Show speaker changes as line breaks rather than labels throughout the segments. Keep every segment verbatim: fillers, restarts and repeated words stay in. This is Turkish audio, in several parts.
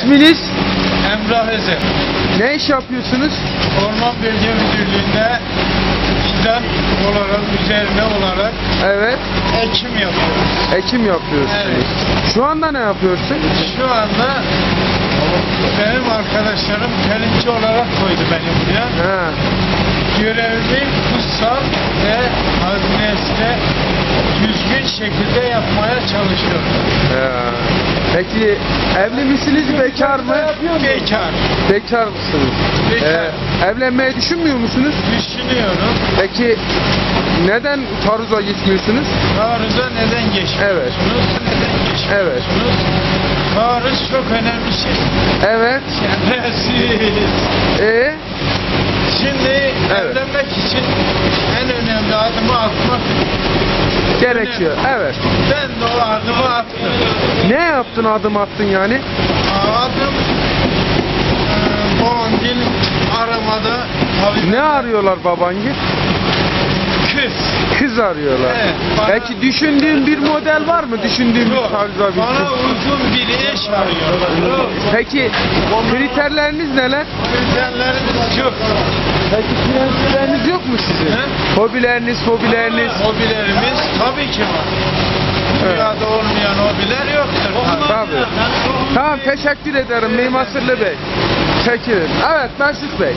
İsminiz?
Emrah Ezer.
Ne iş yapıyorsunuz?
Orman Bölge Müdürlüğü'nde fidan olarak, üzerine olarak
Evet.
ekim yapıyoruz.
Ekim yapıyorsunuz.
Evet.
Şu anda ne yapıyorsun?
Şu anda benim arkadaşlarım telimci olarak koydu beni buraya.
Ha.
Görevimi kutsal ve hazinesine düzgün şekilde yapmaya çalışıyorum.
Ha. Peki evli misiniz, bekar mı?
Bekar.
Bekar mısınız?
Bekar.
Ee, evlenmeyi düşünmüyor musunuz?
Düşünüyorum.
Peki neden taarruza gitmiyorsunuz?
Taarruza neden geçmiyorsunuz?
Evet.
Neden geçmiyorsunuz?
Evet.
Taarruz çok önemli şey.
Evet.
Şerefsiz.
Ee?
Şimdi
Evet.
evlenmek için en önemli adımı atmak
Gerekiyor. Evet.
Ben de o adımı attım.
Ne yaptın, adım attın yani?
Adım e, Bongil aramada tabii
Ne arıyorlar babangil?
kız.
Kız arıyorlar.
Evet, bana-
Peki düşündüğün bir model var mı? Düşündüğün bir
Yok,
tarzda bir
bana
kız.
uzun bir eş arıyor.
Peki kriterleriniz neler?
Kriterlerimiz çok.
Peki prensipleriniz yok mu sizin?
He?
Hobileriniz, hobileriniz.
Hobilerimiz tabii ki var. Dünyada olmayan hobiler yoktur.
Tabii. Tamam, teşekkür ederim Mimar Sırlı Bey. Çekilin. Evet, Mesut Bey.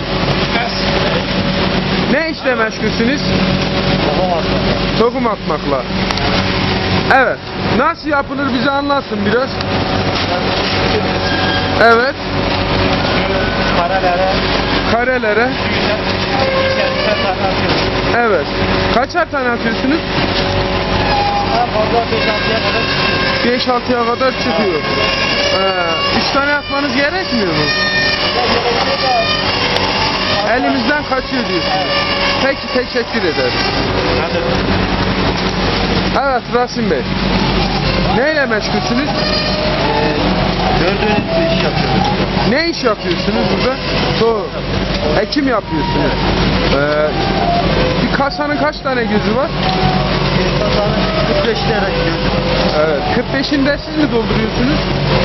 Ne işle meşgulsünüz? Tohum atmakla. Evet. Nasıl yapılır bize anlatsın biraz. Evet.
Karelere,
Karelere.
içerisine tarafıyoruz.
Evet. Kaçar tane atıyorsunuz?
Fazla beş altıya kadar çıkıyor.
beş altıya kadar çıkıyor. Ee, üç tane atmanız gerekmiyor mu? Elimizden kaçıyor diyorsunuz. Peki, teşekkür ederim. Evet Rasim Bey. Neyle meşgulsünüz?
Gördüğünüz bir iş yapıyoruz.
Ne iş yapıyorsunuz burada? Doğru. Ekim yapıyorsunuz. Ee, bir kasanın kaç tane gözü var?
kırk beş lira gidiyor.
Evet. kırk beşinde siz mi dolduruyorsunuz?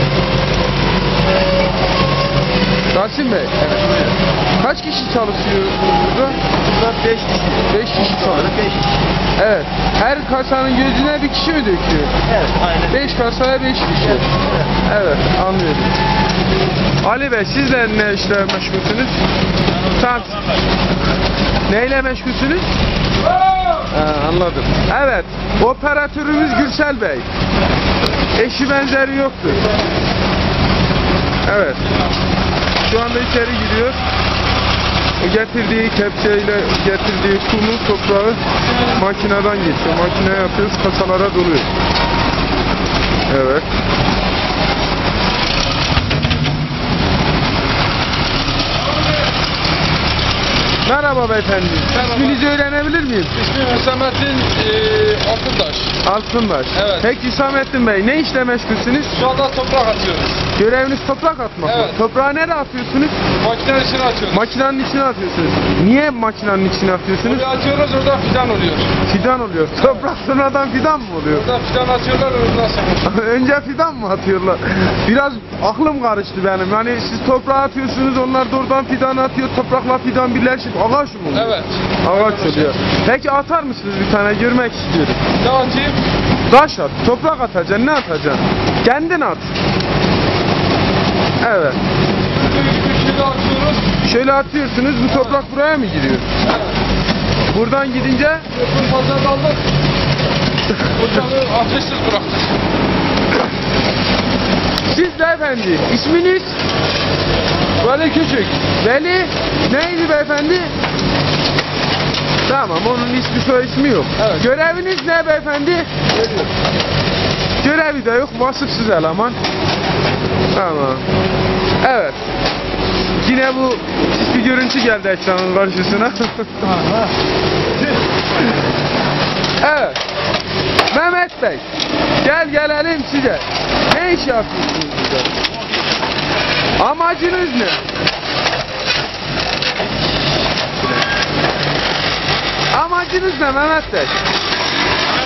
Rasim Bey.
Evet, buyurun.
Kaç kişi çalışıyorsunuz burada?
Burada beş kişi.
beş kişi çalışıyor.
beş kişi.
Evet. Her kasanın gözüne bir kişi mi döküyor?
Evet, aynen.
beş kasaya beş kişi. Evet, anlıyorum. Ali Bey, siz de ne işle meşgulsünüz? Tamam. Neyle meşgulsünüz? Ha, anladım. Evet, operatörümüz Gürsel Bey. Eşi benzeri yoktur. Evet. Şu anda içeri giriyor. Getirdiği kepçeyle getirdiği kumu, toprağı makineden geçiyor. Makineye yapıyoruz, kasalara doluyor. Evet. Merhaba beyefendi.
Merhaba.
İsminizi öğrenebilir miyim?
İsmim Hüsamettin e, Altıntaş.
Altınbaş.
Evet.
Peki Hüsamettin Bey, ne işle meşgulsünüz?
Şu anda toprak atıyoruz.
Göreviniz toprak atmak mı?
Evet.
Toprağı nereye atıyorsunuz?
Makinenin içine atıyoruz.
Makinenin içine atıyorsunuz. Niye makinenin içine atıyorsunuz?
Oraya atıyoruz, orada fidan oluyor.
Fidan oluyor. Toprak sonradan fidan mı oluyor?
Orada fidan atıyorlar, ondan sonra.
Önce fidan mı atıyorlar? Biraz aklım karıştı benim. Yani siz toprağa atıyorsunuz, onlar da oradan fidan atıyor. Toprakla fidan birleşip ağaç mı oluyor?
Evet.
Ağaç oluyor. Peki atar mısınız bir tane? Görmek istiyorum.
Ne atayım?
Taş at. Toprak atacaksın. Ne atacaksın? Kendin at. Evet.
Şöyle atıyoruz.
Şöyle atıyorsunuz. Bu toprak buraya mı giriyor?
Evet.
Buradan gidince
Öbür fazla daldık. Ocağı ateşsiz bıraktık.
siz de efendi. İsminiz?
Veli Küçük.
Veli. Neydi beyefendi? Tamam, onun ismi soy ismi yok.
Evet.
Göreviniz ne beyefendi? Görevi de yok, vasıfsız eleman. Tamam. Evet. Yine bu pis bir görüntü geldi ekranın karşısına. Evet. Mehmet Bey, gel gelelim size. Ne iş yapıyorsunuz burada? Amacınız ne? Amacınız ne Mehmet Bey?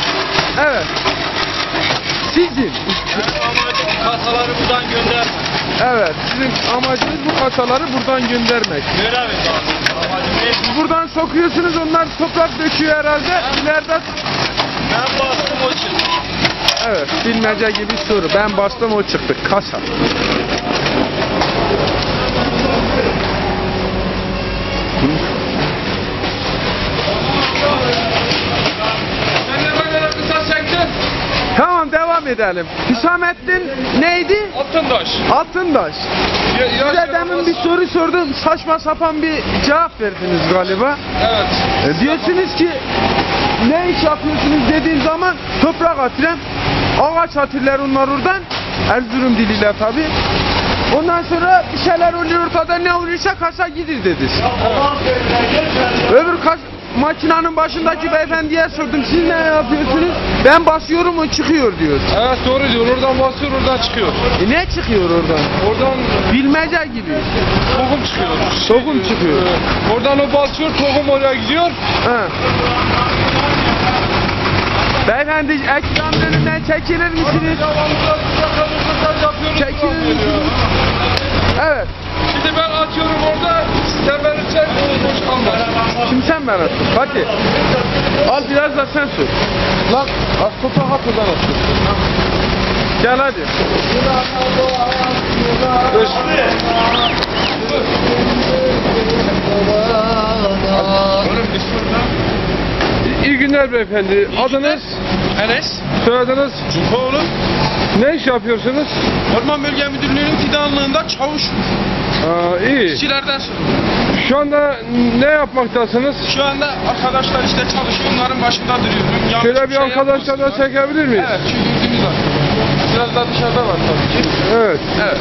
Evet. Sizin.
Amacım kasaları buradan gönderme.
Evet, sizin amacınız bu kasaları buradan göndermek.
Ver abi.
Siz buradan sokuyorsunuz, onlar toprak döküyor herhalde. İleride...
Ben bastım o çıktı.
Evet, bilmece gibi soru. Ben bastım, o çıktı. Kasa.
Sen ne kadar kısa çektin?
Tamam, devam edelim. Hüsamettin neydi?
Altındaş.
Altındaş.
Ya,
Size demin bir soru sordum, saçma sapan bir cevap verdiniz galiba.
Evet.
E, diyorsunuz ki ne iş yapıyorsunuz dediğim zaman toprak atıyorum. Ağaç atırlar onlar oradan. Erzurum diliyle tabi. Ondan sonra bir şeyler oluyor ortada, ne oluyorsa kasa gidir dedi. Öbür kas makinenin başındaki beyefendiye sordum, siz ne yapıyorsunuz? Ben basıyorum, o çıkıyor diyor.
Evet doğru diyor. Oradan basıyor, oradan çıkıyor.
E ne çıkıyor oradan?
Oradan
Bilmece gibi.
tohum çıkıyor.
Tohum çıkıyor.
Ee, Oradan o basıyor, tohum oraya gidiyor.
Ha. Beyefendi ekranın önünden çekilir misiniz? Çekilir misiniz? Evet.
Şimdi ben atıyorum orada, sen verirsen boş kalmaz.
Şimdi sen ver atın. Hadi. Al biraz da sen sür. Lan az toprağı at oradan at. Gel hadi.
Beş. İyi günler beyefendi. Adınız?
Enes.
Soyadınız?
Cukoğlu.
Ne iş yapıyorsunuz?
Orman Bölge Müdürlüğü'nün fidanlığında çavuş.
Aa, iyi.
İşçilerden
Şu anda ne yapmaktasınız?
şu anda arkadaşlar işte çalışıyor. Onların başında duruyorum. Yanlış
Şöyle bir
şey
arkadaşlarla
yapmasınlar.
çekebilir miyiz?
Evet, şu gördüğünüz var. Biraz daha dışarıda var tabii ki.
Evet.
Evet.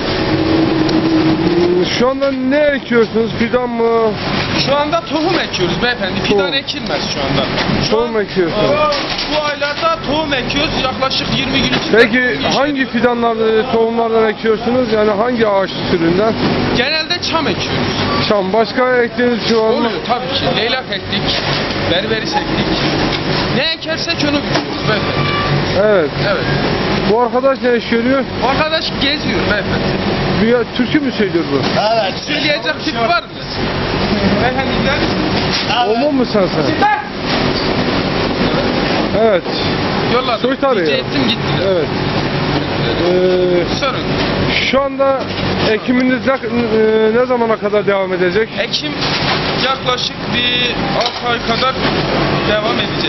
Şu anda ne ekiyorsunuz? Fidan mı?
Şu anda tohum ekiyoruz beyefendi. Fidan
Tohum.
ekilmez şu anda. Şu
Tohum
an-
ekiyorsunuz.
Aa, Bu aylarda tohum ekiyoruz. Yaklaşık yirmi gün içinde.
Peki
tohum
hangi
yetiştiriyoruz.
fidanları, tohumlardan ekiyorsunuz? Yani hangi ağaç türünden?
Genelde çam ekiyoruz.
Çam. Başka ektiğiniz şey var mı?
Oluyor tabii ki. Leylak ektik. Berberis ektik. Ne ekersek onu biçiyoruz beyefendi.
Evet.
Evet.
Bu arkadaş ne iş görüyor?
Bu arkadaş geziyor beyefendi.
Bir türkü mü söylüyor bu?
Söyleyecek tip var mı? Beyefendi gider misiniz?
Omun mu sen sen? Evet.
Yolladım.
Soytarı
Rica
ya.
ettim gittiler.
Evet. Ee,
Sorun.
şu anda ekiminiz ne, e, ne zamana kadar devam edecek?
Ekim yaklaşık bir altı ay kadar devam edecek.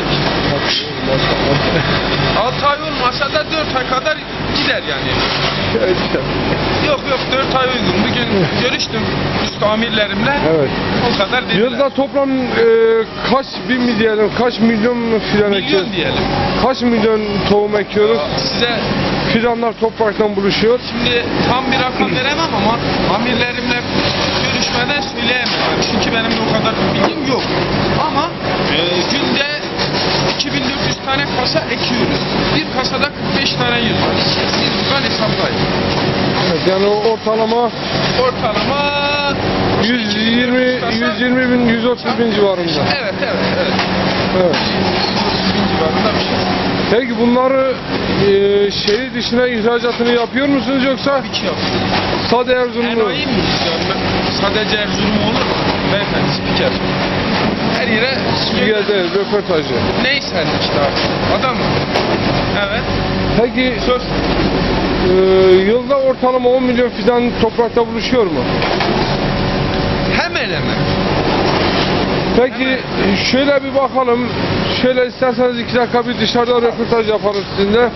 altı ay olmasa da dört ay kadar gider yani. Yok yok dört ay uygun. Bugün görüştüm üst amirlerimle.
Evet.
O kadar dediler.
Yılda toplam e, kaç bin mi diyelim, kaç milyon fidan ekiyoruz?
Milyon diyelim.
Kaç milyon tohum ekiyoruz?
Size
Fidanlar topraktan buluşuyor.
şimdi tam bir rakam veremem ama amirlerimle görüşmeden söyleyemem. Çünkü benim de o kadar bir bilgim yok. Ama e, günde iki bin dört yüz tane kasa ekiyoruz. Bir kasada kırk beş tane yüz var. Siz buradan hesaplayın.
Evet, yani o ortalama
Ortalama
yüz yirmi, yüz yirmi bin, yüz otuz bin civarında.
Evet evet evet.
Evet.
yüz otuz bin civarında bir şey.
Peki bunları e, şehir dışına ihracatını yapıyor musunuz yoksa
Bir şey yapıyoruz.
sade Erzurumlu?
Enayi miyiz yani? Sadece Erzurum olur mu? Beyefendi spiker. Her yere
Spiker değil, röportajı.
neyse işte artık. Adam mı? Evet.
Peki
Söz.
e, yılda ortalama on milyon fidan toprakta buluşuyor mu?
Hemen hemen.
Peki şöyle bir bakalım. Şöyle isterseniz iki dakika bir dışarıda röportaj yaparız sizinle.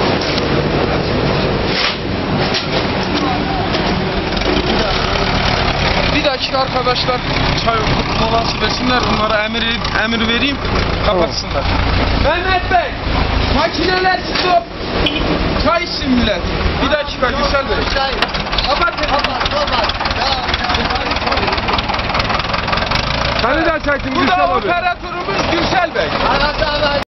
Bir dakika arkadaşlar çay molası versinler onlara emir, emir vereyim kapatsınlar. Mehmet Bey makineler stop. Çay içsin millet. Bir dakika Gürsel Bey. Kapatın.
Seni de çektim
Bu
Gülşen
da
abi.
operatörümüz